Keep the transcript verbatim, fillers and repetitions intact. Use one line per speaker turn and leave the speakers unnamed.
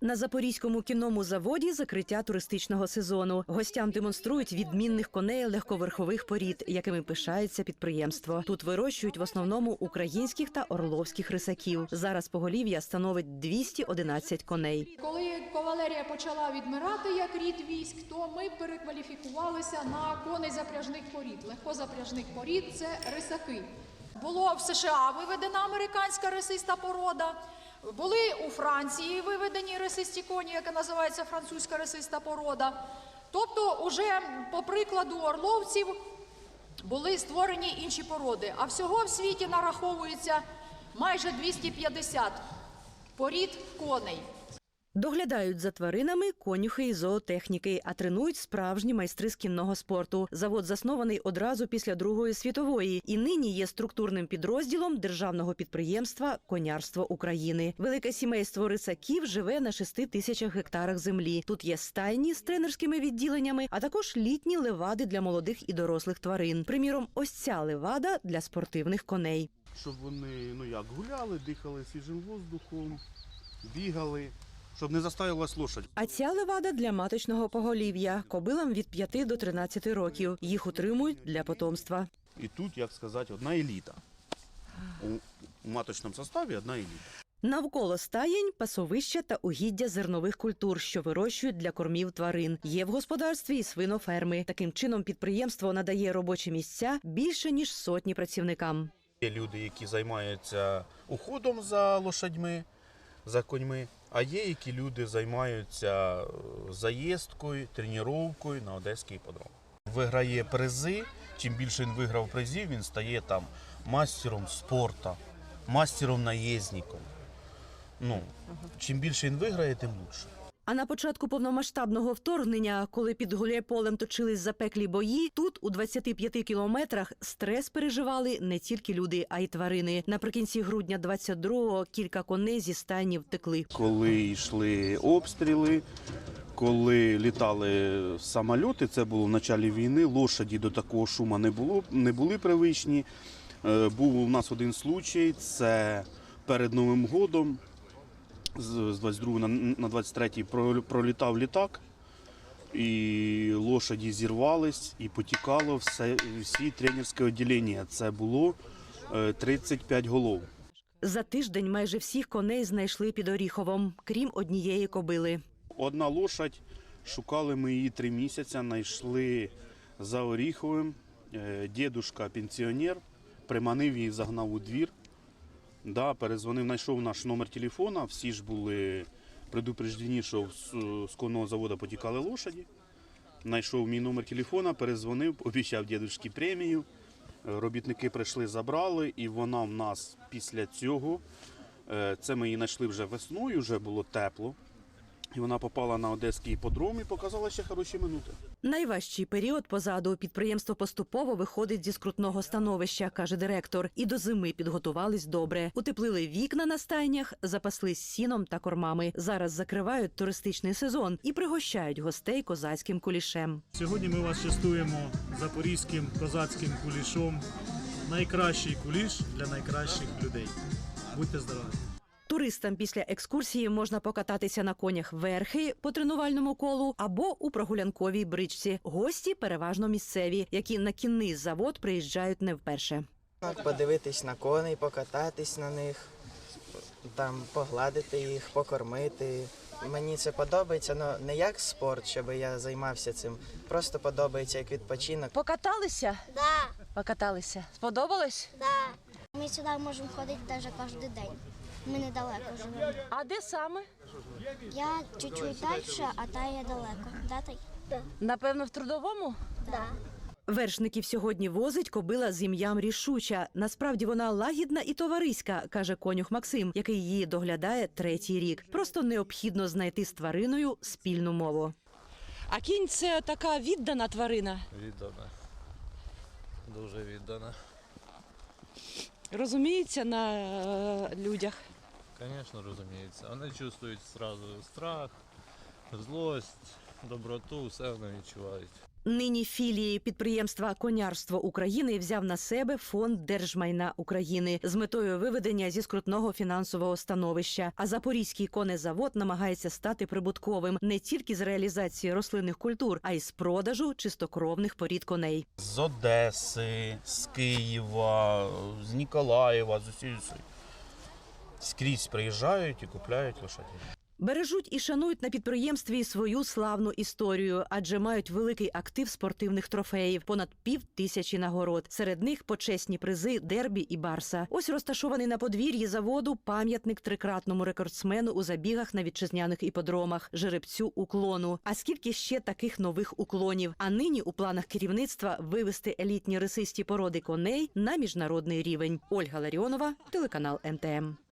На Запорізькому кінному заводі закриття туристичного сезону. Гостям демонструють відмінних коней легковерхових порід, якими пишається підприємство. Тут вирощують в основному українських та орловських рисаків. Зараз поголів'я становить двісті одинадцять коней.
Коли кавалерія почала відмирати як рід військ, то ми перекваліфікувалися на коней запряжних порід. Легкозапряжних порід – це рисаки. Було в США виведена американська рисиста порода. Були у Франції виведені рисисті коні, яка називається французька рисиста порода. Тобто, уже по прикладу орловців були створені інші породи. А всього в світі нараховується майже двісті п'ятдесят порід коней.
Доглядають за тваринами конюхи і зоотехніки, а тренують справжні майстри з кінного спорту. Завод заснований одразу після Другої світової і нині є структурним підрозділом державного підприємства «Конярство України». Велике сімейство рисаків живе на шести тисячах гектарах землі. Тут є стайні з тренерськими відділеннями, а також літні левади для молодих і дорослих тварин. Приміром, ось ця левада для спортивних коней.
Щоб вони, ну як, гуляли, дихали свіжим воздухом, бігали. Щоб не заставилась лошадь.
А ця левада для маточного поголів'я. Кобилам від п'яти до тринадцяти років. Їх утримують для потомства.
І тут, як сказати, одна еліта. У, у маточному составі одна еліта.
Навколо стаєнь – пасовища та угіддя зернових культур, що вирощують для кормів тварин. Є в господарстві і свиноферми. Таким чином підприємство надає робочі місця більше, ніж сотні працівникам.
Є люди, які займаються уходом за лошадьми, за коньми. А є, які люди займаються заїздкою, тренуванням на Одеський іпподром. Виграє призи, чим більше він виграв призів, він стає там мастером спорту, мастером наїзником. Ну, чим більше він виграє, тим краще.
А на початку повномасштабного вторгнення, коли під Гуляйполем точились запеклі бої, тут, у двадцяти п'яти кілометрах, стрес переживали не тільки люди, а й тварини. Наприкінці грудня двадцять другого кілька коней зі стайні втекли.
Коли йшли обстріли, коли літали самоліти, це було в початку війни, лошаді до такого шуму не було, не були привичні. Був у нас один случай, це перед Новим годом. З двадцять другого на двадцять третій пролітав літак, і лошаді зірвались, і потікало все, всі тренерське відділення. Це було тридцять п'ять голов.
За тиждень майже всіх коней знайшли під Оріховом, крім однієї кобили.
Одна лошадь, шукали ми її три місяці, знайшли за Оріховим. Дідушка пенсіонер, приманив її, загнав у двір. Да, перезвонив, знайшов наш номер телефона, всі ж були предупреждені, що з конного заводу потікали лошаді. Знайшов мій номер телефона, перезвонив, обіцяв дідушці премію. Робітники прийшли, забрали, і вона в нас після цього, це ми її знайшли вже весною, вже було тепло. І вона попала на Одеський іпподром і показала ще хороші минути.
Найважчий період позаду. Підприємство поступово виходить зі скрутного становища, каже директор. І до зими підготувались добре. Утеплили вікна на стайнях, запаслись сіном та кормами. Зараз закривають туристичний сезон і пригощають гостей козацьким кулішем.
Сьогодні ми вас частуємо запорізьким козацьким кулішом. Найкращий куліш для найкращих людей. Будьте здорові!
Туристам після екскурсії можна покататися на конях верхи по тренувальному колу або у прогулянковій бричці. Гості переважно місцеві, які на кінний завод приїжджають не вперше.
Подивитись на коней, покататись на них, там погладити їх, покормити. Мені це подобається, але не як спорт, щоб я займався цим. Просто подобається як відпочинок.
Покаталися?
Да.
Покаталися. Сподобалось?
Да. Ми сюди можемо ходити навіть кожен день. Ми недалеко живемо.
А де саме?
Я чуть-чуть далі, а та я далеко. Да, та й? Да.
Напевно, в Трудовому?
Да.
Вершників сьогодні возить кобила з ім'ям Рішуча. Насправді вона лагідна і товариська, каже конюх Максим, який її доглядає третій рік. Просто необхідно знайти з твариною спільну мову.
А кінь – це така віддана тварина?
Віддана. Дуже віддана.
Розуміється на е, людях?
Звісно, розуміється. Вони чувствують одразу страх, злость, доброту, все вони відчувають.
Нині філії підприємства «Конярство України» взяв на себе Фонд держмайна України з метою виведення зі скрутного фінансового становища. А Запорізький конезавод намагається стати прибутковим не тільки з реалізації рослинних культур, а й з продажу чистокровних порід коней.
З Одеси, з Києва, з Ніколаєва, з усієї скрізь приїжджають і купляють лошадей.
Бережуть і шанують на підприємстві і свою славну історію, адже мають великий актив спортивних трофеїв – понад пів тисячі нагород. Серед них почесні призи «Дербі» і «Барса». Ось розташований на подвір'ї заводу пам'ятник трикратному рекордсмену у забігах на вітчизняних іпподромах – жеребцю «Уклону». А скільки ще таких нових уклонів? А нині у планах керівництва вивести елітні рисисті породи коней на міжнародний рівень. Ольга Ларіонова, телеканал ем те ем.